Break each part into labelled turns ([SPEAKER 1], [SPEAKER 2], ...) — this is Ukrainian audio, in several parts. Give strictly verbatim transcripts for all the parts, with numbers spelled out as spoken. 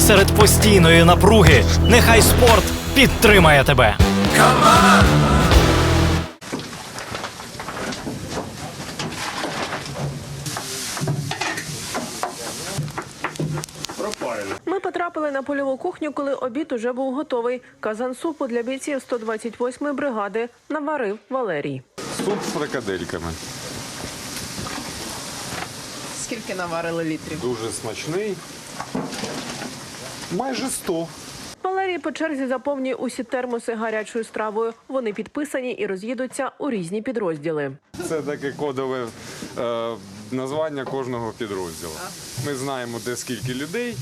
[SPEAKER 1] серед постійної напруги, нехай спорт підтримає тебе.
[SPEAKER 2] Ми потрапили на польову кухню, коли обід уже був готовий. Казан супу для бійців сто двадцять восьмої бригади наварив Валерій.
[SPEAKER 3] Суп з фрикадельками.
[SPEAKER 2] Скільки наварили літрів?
[SPEAKER 3] Дуже смачний. Майже сто.
[SPEAKER 2] Валерій по черзі заповнює усі термоси гарячою стравою. Вони підписані і роз'їдуться у різні підрозділи.
[SPEAKER 3] Це таке кодове е, названня кожного підрозділу. Ми знаємо, де скільки людей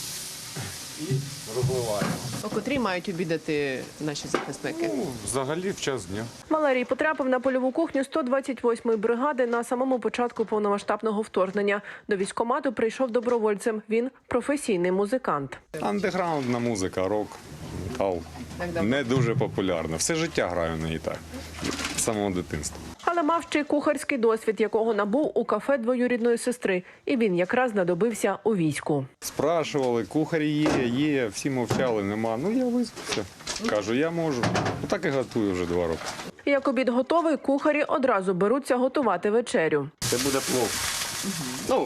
[SPEAKER 3] і розливаємо.
[SPEAKER 4] О котрій мають обідати наші захисники?
[SPEAKER 3] Ну, взагалі в час дня.
[SPEAKER 2] Валерій потрапив на польову кухню сто двадцять восьмої бригади на самому початку повномасштабного вторгнення. До військкомату прийшов добровольцем. Він професійний музикант.
[SPEAKER 3] Андеграундна музика, рок, метал. Не дуже популярна. Все життя граю на гітарі. З самого дитинства.
[SPEAKER 2] Але мав ще й кухарський досвід, якого набув у кафе двоюрідної сестри. І він якраз знадобився у війську.
[SPEAKER 3] Спрашували, кухарі є, є, всі мовчали, нема. Ну, я визвався. Кажу, я можу. Ну, так і готую вже два роки.
[SPEAKER 2] Як обід готовий, кухарі одразу беруться готувати вечерю.
[SPEAKER 5] Це буде плов. Ну,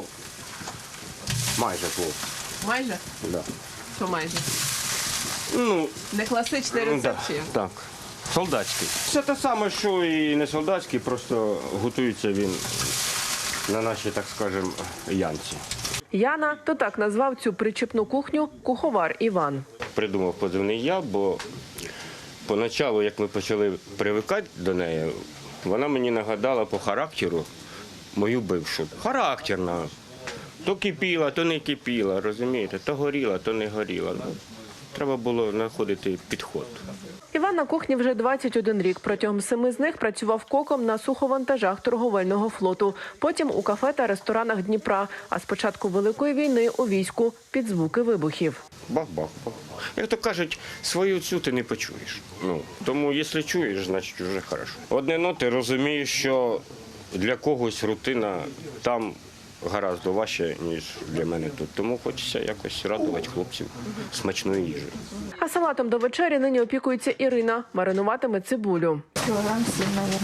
[SPEAKER 5] майже плов.
[SPEAKER 4] Майже?
[SPEAKER 5] Да.
[SPEAKER 4] Що майже?
[SPEAKER 5] Ну,
[SPEAKER 4] Не класичний
[SPEAKER 5] да,
[SPEAKER 4] рецепт чи?
[SPEAKER 5] так. Солдатський. Це те саме, що і не солдатський, просто готується він на нашій, так скажемо, янці.
[SPEAKER 2] Яна, то так назвав цю причепну кухню куховар Іван.
[SPEAKER 5] Придумав позивний я, бо поначалу, як ми почали привикати до неї, вона мені нагадала по характеру мою бившу. Характерна. То кипіла, то не кипіла, розумієте? То горіла, то не горіла. Ну, треба було знаходити підход.
[SPEAKER 2] Іван на кухні вже двадцять один рік. Протягом семи з них працював коком на суховантажах торговельного флоту. Потім у кафе та ресторанах Дніпра. А з початку Великої війни у війську під звуки вибухів.
[SPEAKER 5] Бах-бах. Як то кажуть, свою цю ти не почуєш. Ну, тому, якщо чуєш, значить вже хорошо. Одне, ну, ти розумієш, що для когось рутина там гораздо важче, ніж для мене тут. Тому хочеться якось радувати хлопців смачною їжею.
[SPEAKER 2] А салатом до вечері нині опікується Ірина. Маринуватиме цибулю.
[SPEAKER 6] Кілограм сім, мабуть.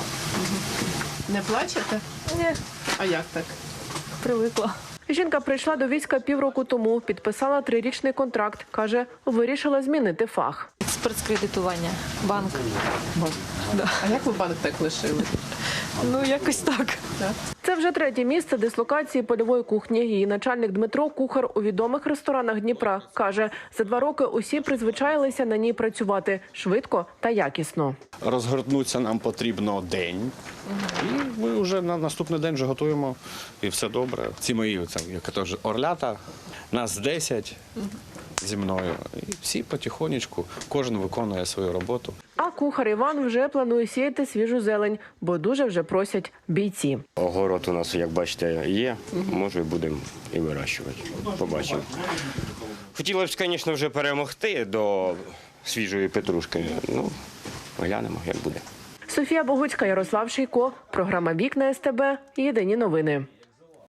[SPEAKER 4] Не плачете?
[SPEAKER 6] Ні,
[SPEAKER 4] А як так?
[SPEAKER 6] привикла.
[SPEAKER 2] Жінка прийшла до війська півроку тому, підписала трирічний контракт. Каже, вирішила змінити фах.
[SPEAKER 6] Експерт з кредитування. Банк.
[SPEAKER 4] А як ви банк так лишили?
[SPEAKER 6] Ну, якось так.
[SPEAKER 2] Це вже третє місце дислокації польової кухні. Її начальник Дмитро – кухар у відомих ресторанах Дніпра. Каже, за два роки усі призвичаїлися на ній працювати швидко та якісно.
[SPEAKER 7] Розгорнутися нам потрібно день, і ми вже на наступний день вже готуємо, і все добре. Ці мої, це, як кажуть, орлята, нас десять зі мною, і всі потихонечку, кожен виконує свою роботу.
[SPEAKER 2] А кухар Іван вже планує сіяти свіжу зелень, бо дуже вже просять бійці.
[SPEAKER 5] Огород у нас, як бачите, є. Може, будемо і вирощувати. Побачимо. Хотілося б, звісно, вже перемогти до свіжої петрушки. Ну, глянемо, як буде.
[SPEAKER 2] Софія Богуцька, Ярослав Шийко. Програма «Вікна СТБ». Єдині новини.